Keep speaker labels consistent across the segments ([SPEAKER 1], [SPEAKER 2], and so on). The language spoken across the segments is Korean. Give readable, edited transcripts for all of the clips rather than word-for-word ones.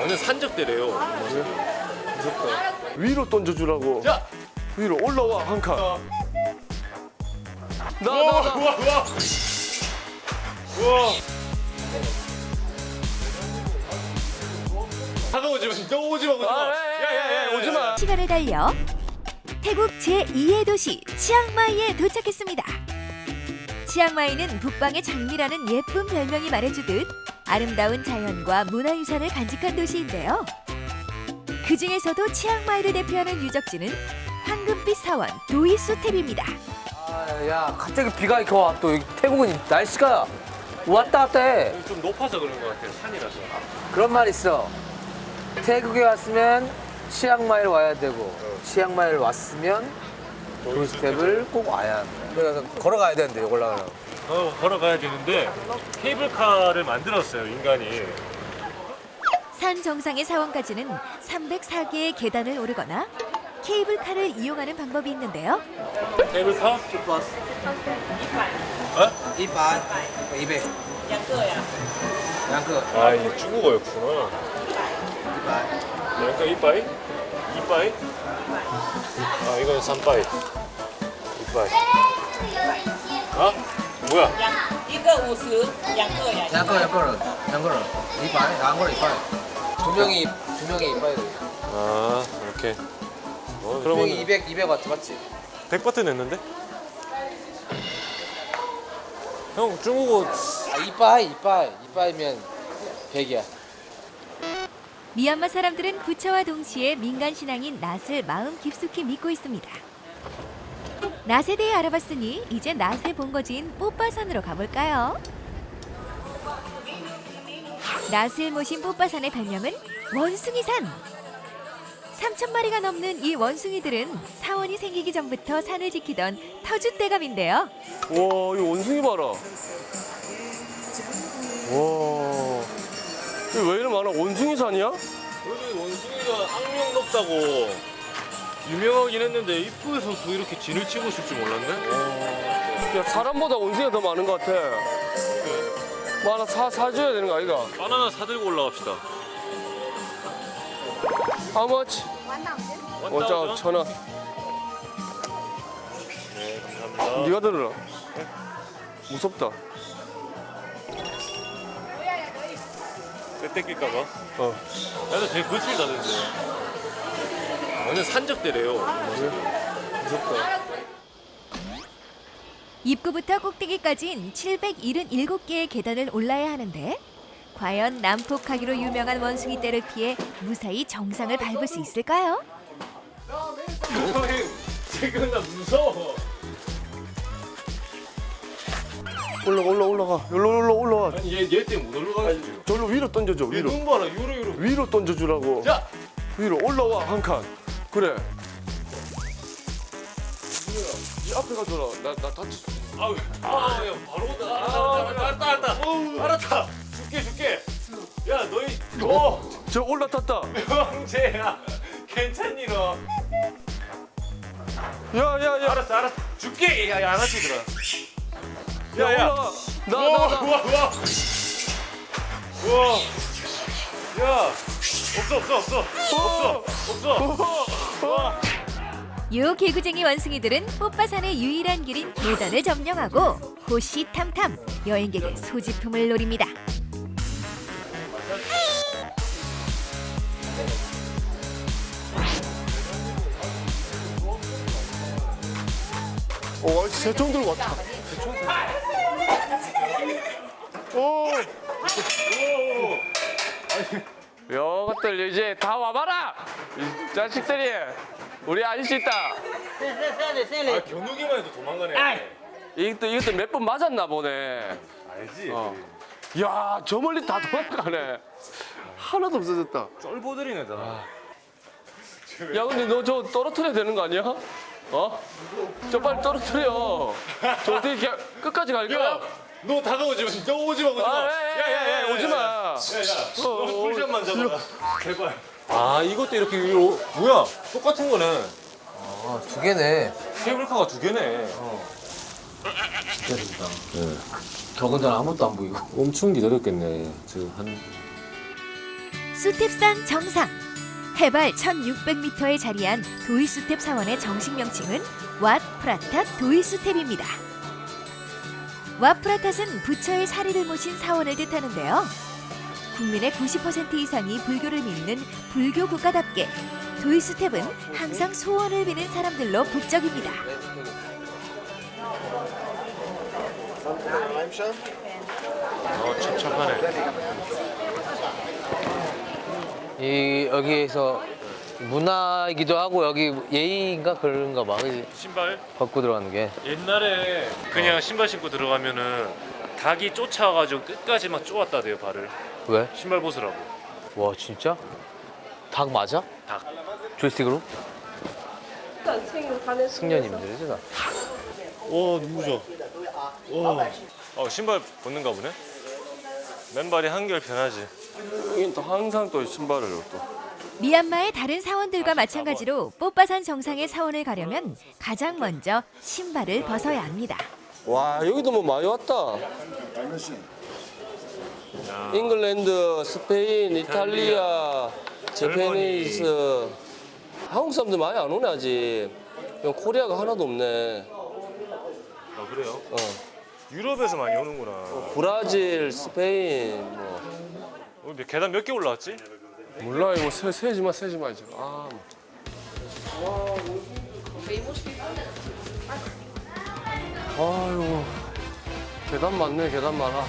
[SPEAKER 1] 완전 산적대래요.
[SPEAKER 2] 무섭다. 위로 던져주라고.
[SPEAKER 1] 자,
[SPEAKER 2] 위로 올라와 한 칸. 나.
[SPEAKER 1] 우와. 다가오지 마. 너 오지 마. 야야야 오지 마.
[SPEAKER 3] 시간을 달려 태국 제2의 도시 치앙마이에 도착했습니다. 치앙마이는 북방의 장미라는 예쁜 별명이 말해주듯 아름다운 자연과 문화유산을 간직한 도시인데요. 그 중에서도 치앙마이를 대표하는 유적지는 황금빛 사원 도이수탭입니다.
[SPEAKER 4] 야, 갑자기 비가 이렇게 와. 또 여기 태국은 날씨가 왔다 갔다 해.
[SPEAKER 1] 좀 높아서 그런 것 같아요. 산이라서.
[SPEAKER 4] 그런 말 있어. 태국에 왔으면 치앙마이를 와야 되고, 치앙마이를 왔으면 도이스텝을 꼭 와야 한다. 그래서 걸어가야 되는데, 여기 올라가려면.
[SPEAKER 1] 걸어가야 되는데 케이블카를 만들었어요, 인간이.
[SPEAKER 3] 산 정상의 사원까지는 304개의 계단을 오르거나 케이블카를 이용하는 방법이 있는데요.
[SPEAKER 1] 케이블카?
[SPEAKER 4] 이반, 200. 양크.
[SPEAKER 1] 아, 이게 중국어였구나. 양가 이빠이? 이빠이? 아, 이건 삼빠이. 이빠이. 아? 뭐야?
[SPEAKER 5] 一个50，两个呀。
[SPEAKER 4] 양거는. 이반, 양거는 이반. 두 명이 이반이 돼.
[SPEAKER 1] 아, 이렇게.
[SPEAKER 4] 두 명이
[SPEAKER 1] 그러면
[SPEAKER 4] 200와트 맞지?
[SPEAKER 1] 100바트 냈는데? 형, 중국어
[SPEAKER 4] 아, 이빠이면 100이야.
[SPEAKER 3] 미얀마 사람들은 부처와 동시에 민간 신앙인 낫을 마음 깊숙이 믿고 있습니다. 낫에 대해 알아봤으니 이제 낫의 본거지인 뽀빠산으로 가볼까요? 낫을 모신 뽀빠산의 별명은 원숭이산. 3,000마리가 넘는 이 원숭이들은 사원이 생기기 전부터 산을 지키던 터줏대감인데요.
[SPEAKER 2] 와, 이 원숭이 봐라. 와, 이거 왜 이렇게 많아? 원숭이 산이야?
[SPEAKER 1] 여기 원숭이가 악명 높다고 유명하긴 했는데 입구에서도 이렇게 진을 치고 있을 줄 몰랐네?
[SPEAKER 2] 야, 사람보다 원숭이가 더 많은 것 같아. 뭐 하나 사줘야 되는 거 아이가?
[SPEAKER 1] 바나나 사들고 올라갑시다.
[SPEAKER 2] How much? 원짜 1,000원.
[SPEAKER 1] 네, 감사합니다.
[SPEAKER 2] 네가 들어라. 무섭다.
[SPEAKER 1] 때 뺏길까봐?
[SPEAKER 2] 어.
[SPEAKER 1] 나도 되게 거칠다던데. 완전 산적대래요.
[SPEAKER 2] 무섭다.
[SPEAKER 3] 입구부터 꼭대기까지는 777개의 계단을 올라야 하는데 과연 난폭하기로 유명한 원숭이 떼를 피해 무사히 정상을 밟을 수 있을까요?
[SPEAKER 1] 지금 나 무서워.
[SPEAKER 2] 올라가. 여기로 올라와.
[SPEAKER 1] 아니 얘 때문에 못 올라가겠어요.
[SPEAKER 2] 저기로 위로 던져줘.
[SPEAKER 1] 얘
[SPEAKER 2] 위로.
[SPEAKER 1] 눈 봐라 요로.
[SPEAKER 2] 위로 던져주라고.
[SPEAKER 1] 자,
[SPEAKER 2] 위로 올라와 한 칸. 그래. 이 앞에 가줘라. 나 다칠 수 있어.
[SPEAKER 1] 야 바로 온다. 알았다. 줄게. 야 너희
[SPEAKER 2] 저 올라탔다.
[SPEAKER 1] 형제야. 괜찮니 너?
[SPEAKER 2] 야.
[SPEAKER 1] 알았어. 줄게. 야 양아치들아.
[SPEAKER 2] 야, 올라가. 나.
[SPEAKER 1] 우와. 야 없어.
[SPEAKER 3] 요 개구쟁이 원숭이들은 뽀빠산의 유일한 길인 계단을 점령하고 호시탐탐 여행객의 소지품을 노립니다.
[SPEAKER 2] 오, 새총 들고 왔다. 오. 요것들 이제 다 와봐라. 이 자식들이. 우리 아저씨 있다.
[SPEAKER 1] 아 겨누기만 해도 도망가네.
[SPEAKER 2] 이것도 몇 번 맞았나 보네.
[SPEAKER 1] 알지?
[SPEAKER 2] 야, 저 멀리 다 도망가네. 하나도 없어졌다.
[SPEAKER 1] 쫄보들이네 다.
[SPEAKER 2] 야, 근데 너 저 떨어뜨려야 되는 거 아니야? 어? 저 빨리 떨어뜨려. 저 어떻게 끝까지 갈까?
[SPEAKER 1] 야, 너 다가오지 마. 너 오지 마.
[SPEAKER 2] 야야야, 오지 마.
[SPEAKER 1] 너 풀샷만 잡아라. 제발. 아 이것도 이렇게 위로 뭐야? 똑같은 거네.
[SPEAKER 4] 아, 두 개네.
[SPEAKER 1] 케이블카가 두 개네.
[SPEAKER 4] 기다린다. 더군다나 아무것도 안 보이고.
[SPEAKER 1] 엄청 기다렸겠네. 지금 한
[SPEAKER 3] 수탭산 정상. 해발 1600m에 자리한 도이수탭 사원의 정식 명칭은 왓 프라탓 도이수탭입니다. 왓 프라탓은 부처의 사리를 모신 사원을 뜻하는데요. 국민의 90% 이상이 불교를 믿는 불교 국가답게 도이수탭은 항상 소원을 비는 사람들로 북적입니다.
[SPEAKER 1] 첩첩하네.
[SPEAKER 4] 여기에서 문화이기도 하고 여기 예의인가 그런가 봐. 그지?
[SPEAKER 1] 신발?
[SPEAKER 4] 벗고 들어가는 게.
[SPEAKER 1] 옛날에 그냥 신발 신고 들어가면은 닭이 쫓아와가지고 끝까지 막 쪼았다 대요 발을.
[SPEAKER 4] 왜?
[SPEAKER 1] 신발 벗으라고.
[SPEAKER 4] 와 진짜? 닭 맞아?
[SPEAKER 1] 닭.
[SPEAKER 4] 조이스틱으로? 승려님들이지 나.
[SPEAKER 1] 와 너무 좋아. 와. 신발 벗는가 보네. 맨발이 한결 편하지.
[SPEAKER 2] 여긴 또 항상 또 신발을 또.
[SPEAKER 3] 미얀마의 다른 사원들과 마찬가지로 뽀빠산 정상의 사원을 가려면 가장 먼저 신발을 벗어야 합니다.
[SPEAKER 2] 와 여기도 뭐 많이 왔다. 잉글랜드, 스페인, 이탈리아, 재패니스. 한국 사람들 많이 안 오네 아직. 코리아가 하나도 없네.
[SPEAKER 1] 아 그래요?
[SPEAKER 2] 어.
[SPEAKER 1] 유럽에서 많이 오는구나.
[SPEAKER 2] 브라질, 스페인 뭐.
[SPEAKER 1] 우리 계단 몇 개 올라왔지?
[SPEAKER 2] 몰라 이거 세지마 이제. 아. 아유 계단 많네 계단 많아.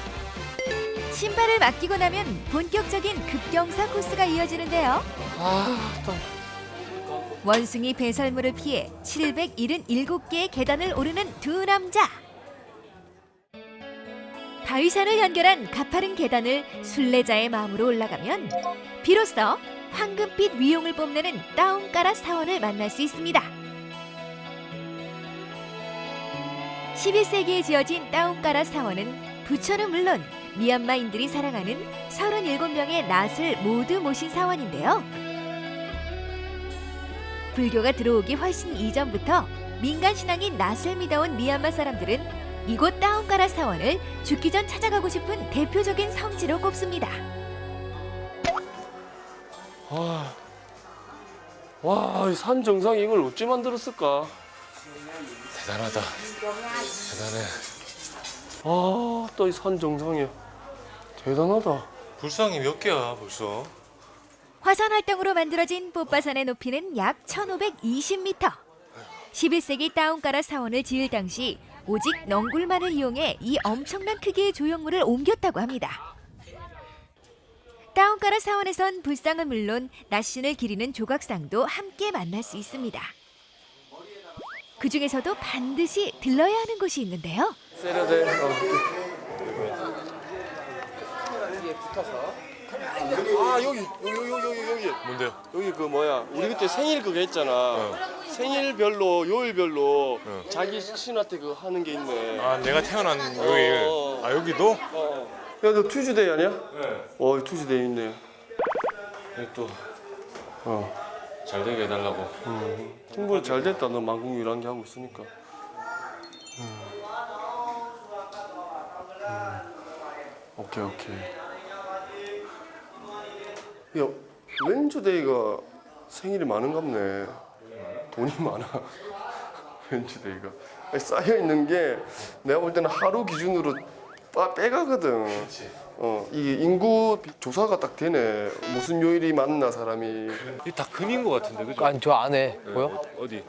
[SPEAKER 3] 신발을 맡기고 나면 본격적인 급경사 코스가 이어지는데요.
[SPEAKER 2] 아 또.
[SPEAKER 3] 원숭이 배설물을 피해 777개의 계단을 오르는 두 남자. 바위산을 연결한 가파른 계단을 순례자의 마음으로 올라가면 비로소 황금빛 위용을 뽐내는 다운가라 사원을 만날 수 있습니다. 11세기에 지어진 다운가라 사원은 부처는 물론 미얀마인들이 사랑하는 37명의 낫을 모두 모신 사원인데요. 불교가 들어오기 훨씬 이전부터 민간 신앙인 낫을 믿어온 미얀마 사람들은 이곳 다운가라 사원을 죽기 전 찾아가고 싶은 대표적인 성지로 꼽습니다.
[SPEAKER 2] 와, 이 산 정상에 이걸 어찌 만들었을까?
[SPEAKER 1] 대단하다. 대단해.
[SPEAKER 2] 아, 또 이 산 정상에 대단하다.
[SPEAKER 1] 불상이 몇 개야 벌써?
[SPEAKER 3] 화산 활동으로 만들어진 뽀빠산의 높이는 약 1520m. 11세기 다운가라 사원을 지을 당시 오직 넝굴만을 이용해 이 엄청난 크기의 조형물을 옮겼다고 합니다. 다운가라 사원에선 불상은 물론 낫신을 기리는 조각상도 함께 만날 수 있습니다. 그 중에서도 반드시 들러야 하는 곳이 있는데요.
[SPEAKER 2] 세려대. 아 여기.
[SPEAKER 1] 뭔데요?
[SPEAKER 2] 여기 그 뭐야? 우리 그때 생일 그거 했잖아. 생일별로 요일별로 자기 신한테 그 하는 게 있네.
[SPEAKER 1] 아 내가 태어난 요일. 아 여기도?
[SPEAKER 2] 야, 너 투즈데이 아니야?
[SPEAKER 1] 네.
[SPEAKER 2] 투즈데이 있네.
[SPEAKER 1] 또
[SPEAKER 2] 어.
[SPEAKER 1] 잘 되게 해달라고.
[SPEAKER 2] 충분히 잘 됐다. 너 만국 유랑기 하고 있으니까. 오케이. 야, 웬즈데이가 생일이 많은갑네. 돈이 많아. 웬즈데이가 쌓여 있는 게 내가 볼 때는 하루 기준으로 빼가거든. 이게 인구 조사가 딱 되네. 무슨 요일이 맞나 사람이.
[SPEAKER 1] 이게 다 금인 것 같은데 그죠?
[SPEAKER 4] 아니 저 안에 보여?
[SPEAKER 1] 어디?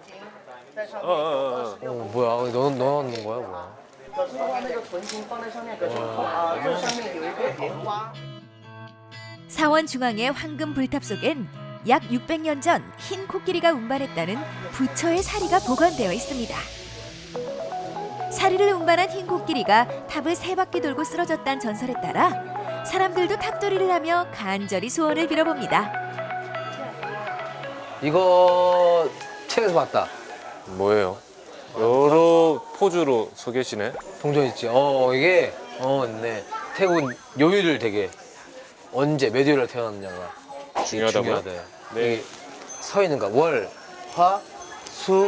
[SPEAKER 4] 뭐야? 너 넣는 거야 뭐야?
[SPEAKER 3] 사원 중앙의 황금 불탑 속엔 약 600년 전 흰 코끼리가 운반했다는 부처의 사리가 보관되어 있습니다. 사리를 운반한 흰 코끼리가 탑을 3바퀴 돌고 쓰러졌다는 전설에 따라 사람들도 탑돌이를 하며 간절히 소원을 빌어봅니다.
[SPEAKER 4] 이거 책에서 봤다.
[SPEAKER 1] 뭐예요? 여러 포즈로 서 계시네.
[SPEAKER 4] 동전 있지. 이게 있네. 태국 요일을 되게 언제 몇 요일에 태어났냐가
[SPEAKER 1] 중요하다고요?
[SPEAKER 4] 중요하대.
[SPEAKER 1] 네.
[SPEAKER 4] 이게 서 있는 거야. 월, 화,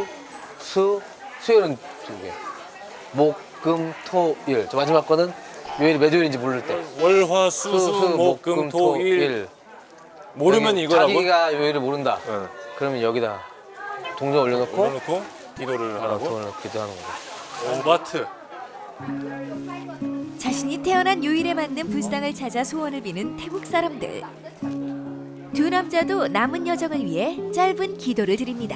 [SPEAKER 4] 수요일은 2개. 목, 금, 토, 일. 저 마지막 거는 요일이 몇 요일인지 모를 때.
[SPEAKER 1] 월화수수목금토일 모르면
[SPEAKER 4] 여기
[SPEAKER 1] 이거라고?
[SPEAKER 4] 자기가 요일을 모른다.
[SPEAKER 1] 응.
[SPEAKER 4] 그러면 여기다 동전 올려놓고
[SPEAKER 1] 올려놓고 기도를 하라고?
[SPEAKER 4] 돈을 기도하는 거죠.
[SPEAKER 1] 오바트.
[SPEAKER 3] 자신이 태어난 요일에 맞는 불상을 찾아 소원을 비는 태국 사람들. 두 남자도 남은 여정을 위해 짧은 기도를 드립니다.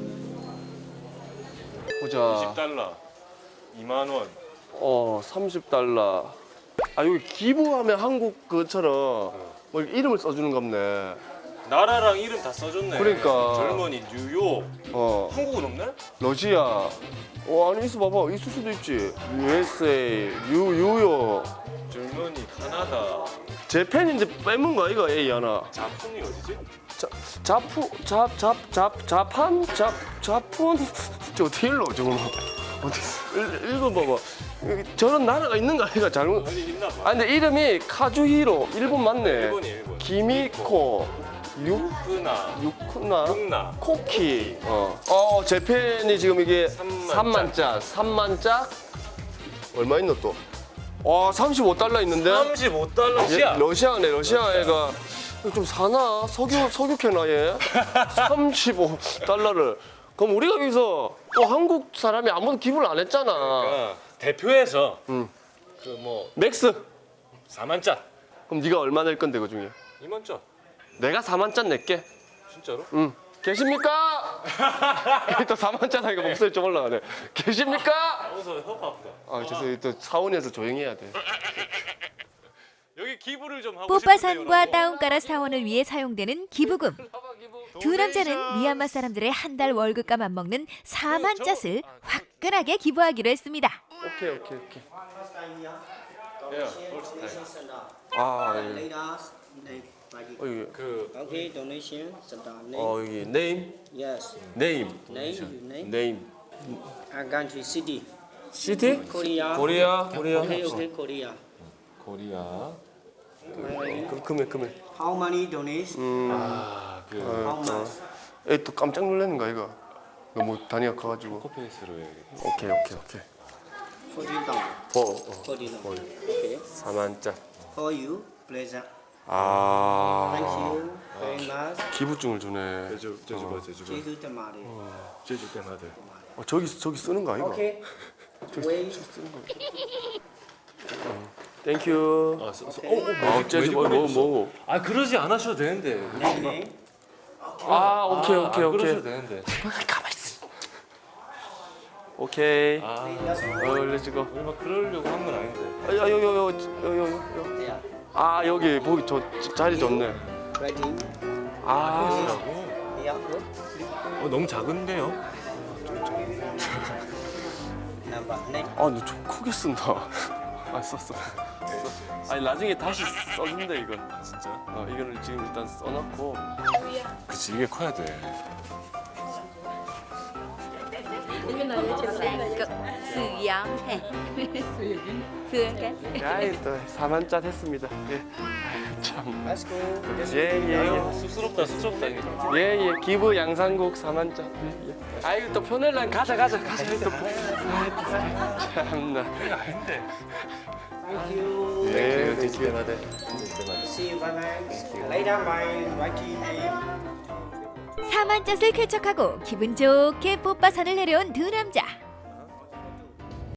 [SPEAKER 2] 보자.
[SPEAKER 1] 20달러. 2만 원.
[SPEAKER 2] 30달러. 아 여기 기부하면 한국 그처럼 뭐 이름을 써주는 겁네.
[SPEAKER 1] 나라랑 이름 다 써줬네.
[SPEAKER 2] 그러니까.
[SPEAKER 1] 젊은이 뉴욕. 한국은 없네?
[SPEAKER 2] 러시아. 아니 있어 봐봐. 있을 수도 있지. USA, 뉴욕.
[SPEAKER 1] 젊은이 카나다.
[SPEAKER 2] 재팬인데 빼문 거 이거 A 하나.
[SPEAKER 1] 자푼이 어디지?
[SPEAKER 2] 자푼 저 어떻게 읽어 저거 어떻게 읽어봐봐. 여기 저런 나라가 있는 거 아니가 잘못.
[SPEAKER 1] 아니 있나 봐.
[SPEAKER 2] 아 근데 이름이 카주히로 일본 맞네.
[SPEAKER 1] 일본이야 일본.
[SPEAKER 2] 기미코
[SPEAKER 1] 끄나.
[SPEAKER 2] 유쿠나
[SPEAKER 1] 흑나.
[SPEAKER 2] 코키. 재팬이 지금 이게
[SPEAKER 1] 3만짜.
[SPEAKER 2] 3만짜 얼마 있노 또? 35달러 있는데.
[SPEAKER 1] 35달러.
[SPEAKER 2] 예, 러시아네. 러시아 애가 좀 사나? 석유캐나 얘? 35달러를. 그럼 우리가 여기서 또 한국 사람이 아무도 기부를 안 했잖아.
[SPEAKER 1] 대표해서
[SPEAKER 2] 응.
[SPEAKER 1] 그 뭐
[SPEAKER 2] 맥스.
[SPEAKER 1] 4만짜.
[SPEAKER 2] 그럼 네가 얼마 낼 건데 그 중에?
[SPEAKER 1] 2만짜.
[SPEAKER 2] 내가 4만짜 낼게.
[SPEAKER 1] 진짜로?
[SPEAKER 2] 응. 계십니까? 또 4만짜 하니까 목소리 좀 올라가네. 계십니까?
[SPEAKER 1] 어서 허파 아프다.
[SPEAKER 2] 아 죄송해요. 또 사원에서 조용히 해야 돼.
[SPEAKER 1] 여기 기부를 좀 하고
[SPEAKER 3] 뽀빠산과 다운가라 사원을 위해 사용되는 기부금. 두 남자는 미얀마 사람들의 한 달 월급과 맞먹는 4만 잣을 화끈하게 기부하기로 했습니다.
[SPEAKER 2] 오케이. 여기
[SPEAKER 6] Okay, donation, start name.
[SPEAKER 2] 여기 네임.
[SPEAKER 6] Yes,
[SPEAKER 2] 네임.
[SPEAKER 6] name, you name.
[SPEAKER 2] 네임.
[SPEAKER 6] Country, city.
[SPEAKER 2] 시티?
[SPEAKER 6] Korea.
[SPEAKER 2] 코리아.
[SPEAKER 6] Okay, Korea.
[SPEAKER 1] 코리아.
[SPEAKER 2] 금액.
[SPEAKER 6] How many donation? How much?
[SPEAKER 2] 또 깜짝 놀라는 거 이거. 너무 단위가 커가지고.
[SPEAKER 1] 페이스로 해야겠다.
[SPEAKER 2] 오케이.
[SPEAKER 6] $40. $40. Okay.
[SPEAKER 2] 4만짜.
[SPEAKER 6] For you, pleasure.
[SPEAKER 2] 아.
[SPEAKER 6] Thank you very much.
[SPEAKER 2] 기부증을 주네.
[SPEAKER 1] 제주가.
[SPEAKER 6] 제주 때마다.
[SPEAKER 1] 제주 때마다.
[SPEAKER 2] 저기 쓰는 거 아이가?
[SPEAKER 6] Okay. Wait.
[SPEAKER 2] 땡큐. 제주 뭐.
[SPEAKER 1] 아 그러지 않으셔도 되는데.
[SPEAKER 6] Name.
[SPEAKER 2] 오케이.
[SPEAKER 1] 그러셔도 되는데.
[SPEAKER 2] 오케이. 렛츠고.
[SPEAKER 1] 우리 막 그러려고 한 건 아닌데.
[SPEAKER 2] 요.
[SPEAKER 6] There.
[SPEAKER 2] 여기 보기 자리 좋네.
[SPEAKER 6] Ready. Yeah. Good.
[SPEAKER 1] 너무 작은데요?
[SPEAKER 6] Number. Next.
[SPEAKER 2] 너 좀 크게 쓴다. 썼어. 아니 나중에 다시 써준대 이거.
[SPEAKER 1] 진짜?
[SPEAKER 2] 이거를 지금 일단 써놓고.
[SPEAKER 1] 그치 이게 커야 돼.
[SPEAKER 2] 또 4만짜 했습니다. 예. 참.
[SPEAKER 6] Let's go.
[SPEAKER 2] 예.
[SPEAKER 1] 쑥스럽다.
[SPEAKER 2] 예. 기부 양상국 4만짜. 예. 아이고 또 편할란 가자. 또. 참나.
[SPEAKER 1] 아닌데.
[SPEAKER 6] Thank you.
[SPEAKER 2] 예.
[SPEAKER 1] 제주 때마다.
[SPEAKER 6] See you. Bye bye. Later, my writing name.
[SPEAKER 3] 4만 잣을 쾌척하고 기분 좋게 뽀빠산을 내려온 두 남자.